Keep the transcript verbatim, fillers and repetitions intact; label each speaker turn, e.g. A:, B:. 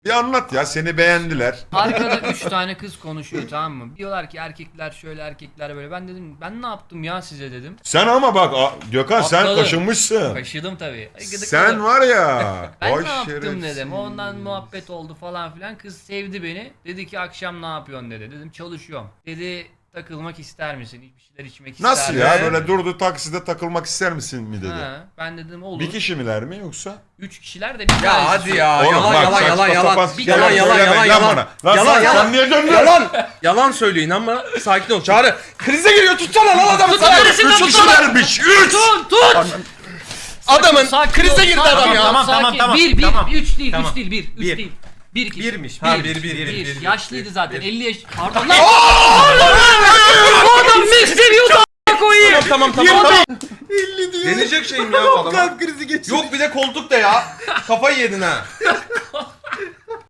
A: Bir anlat ya, seni beğendiler.
B: Arkada üç tane kız konuşuyor, tamam mı? Diyorlar ki erkekler şöyle, erkekler böyle. Ben dedim ben ne yaptım ya size dedim.
A: Sen ama bak a- Gökhan sen
B: Atladım.
A: kaşınmışsın.
B: Kaşıdım tabii. Gıdıkladım.
A: Sen var ya.
B: Ben
A: vay
B: ne yaptım
A: şerefsiz.
B: dedim. Ondan muhabbet oldu falan filan. Kız sevdi beni. Dedi ki akşam ne yapıyorsun dedi. Dedim çalışıyorum. Dedi takılmak ister misin? Bir şeyler içmek ister
A: Nasıl
B: misin?
A: ya?
C: Ee?
A: Böyle durdu takside takılmak ister misin mi dedi.
B: Ha, ben dedim olur.
A: Bir kişi miler mi yoksa?
B: Üç kişiler de bir
C: Ya
B: tanesi
C: hadi
B: söyledi.
C: ya
A: Oğlum
C: yalan
A: bak,
C: yalan
A: saçma
C: yalan yalan
A: sapan
B: Bir
C: yalan
B: tane
C: yalan
A: söylemeyin
C: yalan
A: lan
C: yalan
A: bana. Lan
C: yalan
A: sen-
C: yalan
A: sen niye döndün?
C: yalan yalan söylüyor inanma sakin ol Çağrı krize giriyor tutsana lan adamı
B: Tut,
C: sana
B: neresinden
A: Üç
B: tut,
A: kişilermiş. Üç.
B: Tut tut.
C: adamın
B: Sakin
C: krize
B: ol,
C: girdi
B: sakin
C: adam
B: ol,
C: ya
D: Tamam,
B: sakin.
D: tamam, tamam,
B: Bir bir
D: tamam.
B: üç değil
D: Tamam.
B: üç değil bir üç
D: Bir.
B: değil. Bir kişi.
D: Birmiş.
C: Ha,
B: Bir,
C: bir, bir, bir,
B: bir.
C: bir, bir.
B: Yaşlıydı zaten
C: Bir.
B: elli yaş. Pardon lan. Bu adam ne seviyordu a**a koyayım.
C: tamam tamam tamam
A: elli diyor.
C: deneyecek şeyim ya bu adama
D: Kalp krizi geçirdi.
C: yok bir de koltuk da ya kafayı yedin ha